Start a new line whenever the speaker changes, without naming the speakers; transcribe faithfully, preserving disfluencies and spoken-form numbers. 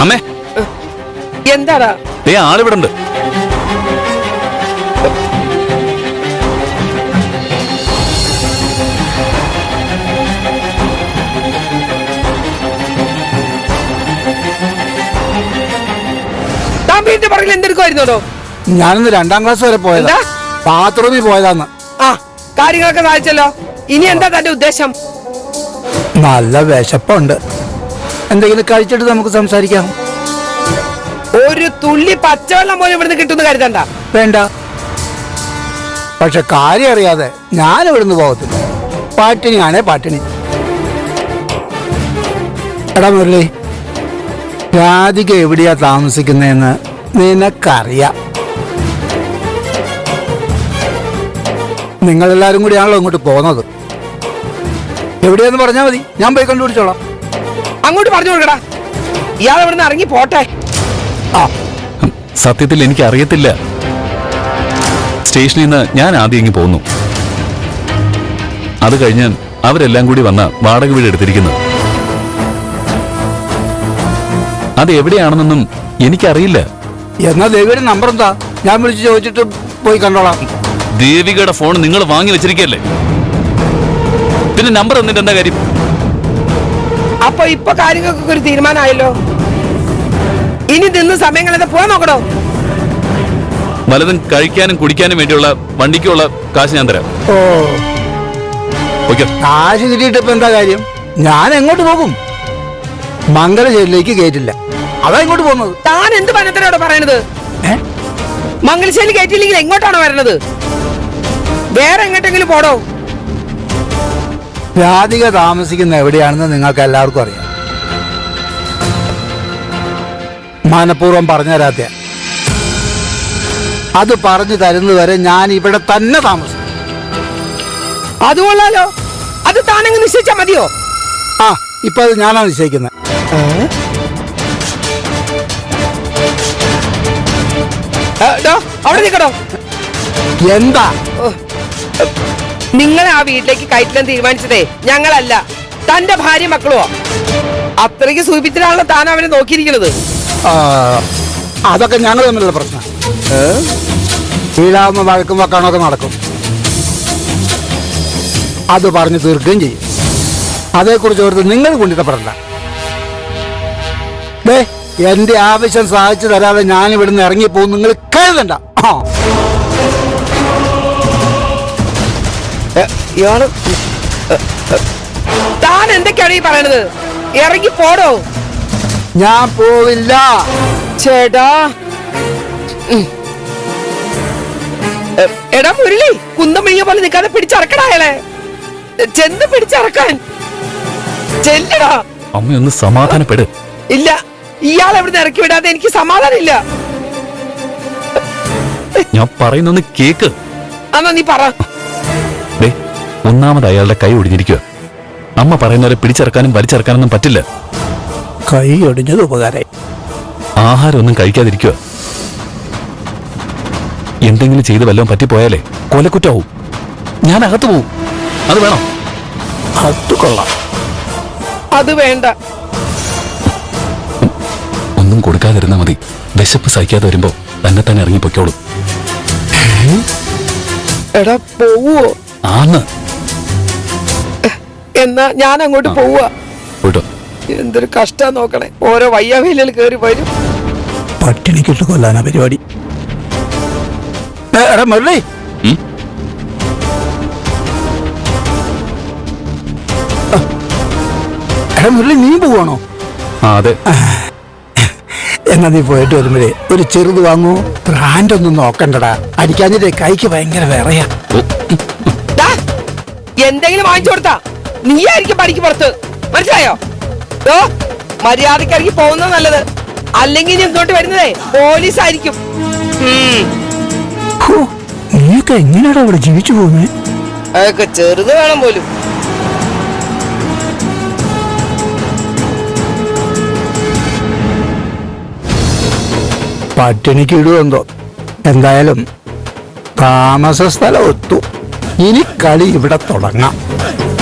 അമ്മേ
എന്താടാ?
ദേ ആളിവിടെ ഉണ്ട്.
താൻ വീട്ടിന്റെ പറയിൽ എന്തെടുക്കുമായിരുന്നോ?
ഞാനിന്ന് രണ്ടാം ക്ലാസ് വരെ പോയതാ. ബാത്റൂമിൽ പോയതാന്ന്.
ആ കാര്യങ്ങളൊക്കെ സാധിച്ചല്ലോ. ഇനി എന്താ തന്റെ ഉദ്ദേശം?
നല്ല വിശപ്പുണ്ട്. എന്തെങ്കിലും കഴിച്ചിട്ട് നമുക്ക് സംസാരിക്കാം.
ഒരു തുള്ളി പച്ചവെള്ളം പോലും ഇവിടുന്ന് കിട്ടുന്ന കരുതണ്ട.
വേണ്ട. പക്ഷെ കാര്യം അറിയാതെ ഞാൻ ഇവിടുന്ന് പോകത്തില്ല. പാട്ടിണിയാണേ പാട്ടിണി. എടാ മുരളി, രാധിക എവിടെയാ താമസിക്കുന്നതെന്ന് നിനക്കറിയാം. നിങ്ങളെല്ലാരും കൂടിയാണല്ലോ ഇങ്ങോട്ട് പോകുന്നത്. എവിടെയാന്ന് പറഞ്ഞാൽ മതി, ഞാൻ പോയി കണ്ടുപിടിച്ചോളാം.
അങ്ങോട്ട് പറഞ്ഞു കൊടുക്കടാ. ഇയാൾ ഇവിടുന്ന് ഇറങ്ങി പോട്ടെ.
ആ
സത്യത്തിൽ എനിക്ക് അറിയത്തില്ല. സ്റ്റേഷനിൽ നിന്ന് ഞാൻ ആദ്യം ഇങ്ങ് പോന്നു. അത് കഴിഞ്ഞ് അവരെല്ലാം കൂടി വന്ന വാടക വീട് എടുത്തിരിക്കുന്നു. അത് എവിടെയാണെന്നൊന്നും എനിക്കറിയില്ല.
എന്നാ ദേവിയുടെ നമ്പർ എന്താ? ഞാൻ വിളിച്ച് ചോദിച്ചിട്ട് പോയി കണ്ടോളാം.
ദേവികയുടെ ഫോൺ നിങ്ങൾ വാങ്ങി വെച്ചിരിക്കല്ലേ, പിന്നെ നമ്പർ എന്നിട്ട് എന്താ കാര്യം?
അപ്പൊ ഇപ്പൊ കാര്യങ്ങൾക്കൊക്കെ ഒരു തീരുമാനമായല്ലോ. ഇനി നിന്ന് സമയങ്ങളെ പോകാൻ നോക്കണോ?
വലതും കഴിക്കാനും കുടിക്കാനും വേണ്ടിയുള്ള വണ്ടിക്കുള്ള കാശ് ഞാൻ തരാം.
ഓ,
ഓക്കെ.
കാശ് കിട്ടിയിട്ട് ഇപ്പൊ എന്താ കാര്യം? ഞാൻ എങ്ങോട്ട് പോകും? മംഗലശ്ശേരിയിലേക്ക് കയറ്റില്ല, അതാ ഇങ്ങോട്ട് പോകുന്നത്.
താൻ എന്ത് പനത്തിനോട് പറയണത്? മംഗലശ്ശേരി കയറ്റില്ലെങ്കിൽ എങ്ങോട്ടാണ് വരണത്? വേറെ എങ്ങോട്ടെങ്കിലും പോടോ.
രാധിക താമസിക്കുന്ന എവിടെയാണെന്ന് നിങ്ങൾക്ക് എല്ലാവർക്കും അറിയാം. മനഃപൂർവ്വം പറഞ്ഞു തരാത്ത. അത് പറഞ്ഞു തരുന്നത് വരെ ഞാൻ ഇവിടെ തന്നെ താമസിക്കും.
അതുകൊള്ളാലോ. അത് താനങ്ങ് നിശ്ചയിച്ചാ മതിയോ?
ആ, ഇപ്പൊ അത് ഞാനാണ് നിശ്ചയിക്കുന്നത്.
അവിടെ നിൽക്കണോ?
എന്താ?
നിങ്ങളെ ആ വീട്ടിലേക്ക് കയറ്റാൻ തീരുമാനിച്ചതേ ഞങ്ങളല്ല, തന്റെ ഭാര്യ മക്കളുമോ. അത്രയ്ക്ക് സൂചിപ്പിച്ചിട്ടാണല്ലോ താൻ അവനെ നോക്കിയിരിക്കുന്നത്.
അതൊക്കെ ഞങ്ങൾ തമ്മിലുള്ള പ്രശ്നം. വീഴാവുന്ന വഴക്കും വെക്കാണൊക്കെ നടക്കും. അത് പറഞ്ഞു തീർക്കുകയും ചെയ്യും. അതേക്കുറിച്ച് ഓർത്ത് നിങ്ങൾ കൊണ്ടിട്ടപ്പെടണ്ട. ദേ, എന്റെ ആവശ്യം സാധിച്ചു തരാതെ ഞാൻ ഇവിടുന്ന് ഇറങ്ങിപ്പോകും നിങ്ങൾ കരുതണ്ട. ആ
ഇയാള് താൻ എന്തൊക്കെയാണ് ഈ പറയണത്? ഇറങ്ങി പോടോ.
ഞാൻ പോവില്ല
ചേട്ടാ. എടാ മുരളി, കുന്തം പിഴിഞ്ഞ പോലെ നിൽക്കാതെ പിടിച്ചറക്കടായാലേ. ചെന്ന് പിടിച്ചറക്കാൻ ചെല്ലടാ.
അമ്മയൊന്ന് സമാധാനപ്പെട്.
ഇല്ല, ഇയാൾ എവിടുന്ന് ഇറക്കി വിടാതെ എനിക്ക് സമാധാനം ഇല്ല.
ഞാൻ പറയുന്നൊന്ന് കേക്ക്.
എന്നാ നീ പറ.
ഒന്നാമത് അയാളുടെ കൈ ഒടിഞ്ഞിരിക്കുക. അമ്മ പറയുന്നവരെ പിടിച്ചിറക്കാനും വലിച്ചിറക്കാനൊന്നും പറ്റില്ല.
കൈ ഒടിഞ്ഞത് ഉപകാരമായി.
ആഹാരം ഒന്നും കഴിക്കാതിരിക്കുക. എന്തെങ്കിലും ചെയ്ത് വല്ലതും പറ്റിപ്പോയാലേ കൊലക്കുറ്റാവും. ഞാൻ അകത്ത് പോവും. അത് വേണം.
അത് കൊള്ളാം.
അത് വേണ്ട.
ഒന്നും കൊടുക്കാതിരുന്നാ മതി. വിശപ്പ് സഹിക്കാതെ വരുമ്പോ തന്നെ തന്നെ ഇറങ്ങി പൊയ്ക്കോളും.
എടാ പോവോ?
ആന്ന്.
എന്നാ ഞാൻ അങ്ങോട്ട് പോവുക.
പോയിട്ടോ.
എന്തൊരു കഷ്ടാ നോക്കണേ. ഓരോ വയ്യാവേലിൽ കയറി വരും.
പട്ടിണിക്കിട്ട് കൊല്ലാനാ പരിപാടി. എടാ മുരളി, എടാ മുരളി, നീ പോവാണോ?
അതെ.
എന്നാ നീ പോയിട്ട് വരുമ്പോഴേ ഒരു ചെറുത് വാങ്ങൂ. ബ്രാൻഡ് ഒന്നും നോക്കണ്ടടാ. അടിക്കാഞ്ഞിട്ടേ കൈക്ക് ഭയങ്കര വിറയാ.
എന്തെങ്കിലും വാങ്ങിച്ചു കൊടുത്താ നീ ആയിരിക്കും പണിക്ക് പുറത്ത്. മനസ്സിലായോ? മര്യാദക്ക് ഇറങ്ങി പോകുന്നത് നല്ലത്. അല്ലെങ്കിൽ ഇങ്ങോട്ട് വരുന്നതേ പോലീസ് ആയിരിക്കും.
നീയൊക്കെ എങ്ങനെയാടാ ഇവിടെ ജീവിച്ചു പോകുന്നത്?
അതൊക്കെ ചെറുത് വേണം പോലും.
പട്ടിണിക്ക് ഇടുവെന്തോ. എന്തായാലും താമസ സ്ഥലം ഒത്തു. ഇനി കളി ഇവിടെ തുടങ്ങാം.